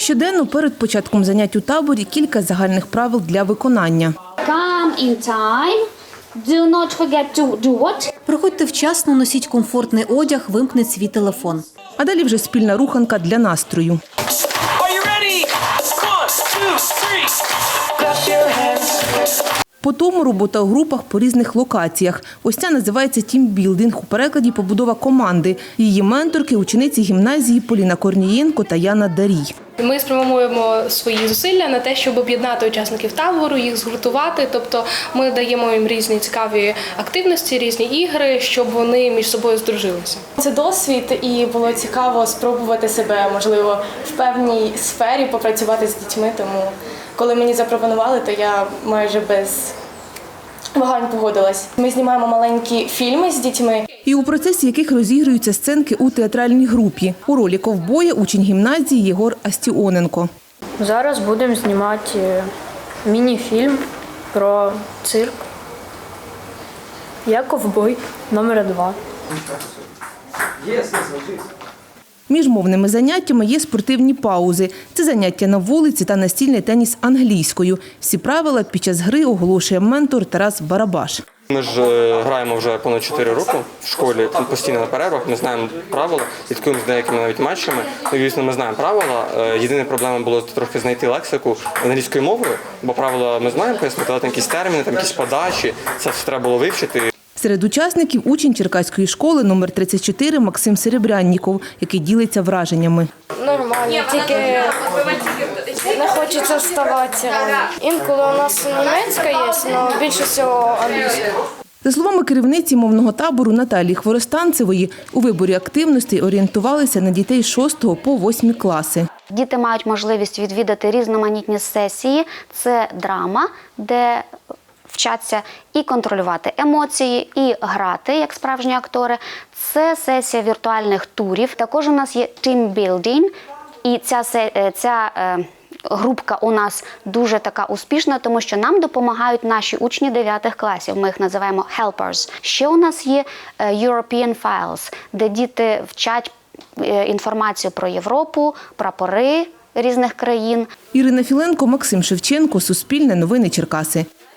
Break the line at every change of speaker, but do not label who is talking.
Щоденно перед початком занять у таборі кілька загальних правил для виконання.
Come in time. Do not forget to do what?
Приходьте вчасно, носіть комфортний одяг, вимкніть свій телефон.
А далі вже спільна руханка для настрою. Потім робота у групах по різних локаціях. Ось ця називається тімбілдинг, у перекладі побудова команди. Її менторки – учениці гімназії Поліна Корнієнко та Яна Дарій.
Ми спрямуємо свої зусилля на те, щоб об'єднати учасників табору, їх згуртувати. Тобто ми даємо їм різні цікаві активності, різні ігри, щоб вони між собою здружилися.
Це досвід, і було цікаво спробувати себе, можливо, в певній сфері попрацювати з дітьми. Тому коли мені запропонували, то я майже без вагань погодилась. Ми знімаємо маленькі фільми з дітьми.
І у процесі яких розігруються сценки у театральній групі. У ролі ковбоя учень гімназії Єгор Астіоненко.
Зараз будемо знімати міні-фільм про цирк. Я ковбой номер 2.
Між мовними заняттями є спортивні паузи. Це заняття на вулиці та настільний теніс англійською. Всі правила під час гри оголошує ментор Тарас Барабаш.
Ми ж граємо вже понад 4 роки в школі, постійно на перервах, ми знаємо правила, слідкуємо з деякими навіть матчами. Звісно, ми знаємо правила. Єдина проблема було трохи знайти лексику англійською мовою, бо правила ми знаємо, пояснити, але там якісь терміни, там якісь подачі, це все треба було вивчити.
Серед учасників учень Черкаської школи номер 34 Максим Серебрянніков, який ділиться враженнями.
Нормально, тільки не хочеться вставати. Інколи у нас німецька є, але більше всього англійська.
За словами керівниці мовного табору Наталії Хворостанцевої, у виборі активностей орієнтувалися на дітей з 6 по 8 класи.
Діти мають можливість відвідати різноманітні сесії. Це драма, де вчаться і контролювати емоції, і грати, як справжні актори. Це сесія віртуальних турів. Також у нас є тімбілдинг, і ця групка у нас дуже така успішна, тому що нам допомагають наші учні 9 класів. Ми їх називаємо helpers. Ще у нас є European Files, де діти вчать інформацію про Європу, прапори різних країн.
Ірина Філенко, Максим Шевченко, Суспільне новини Черкаси.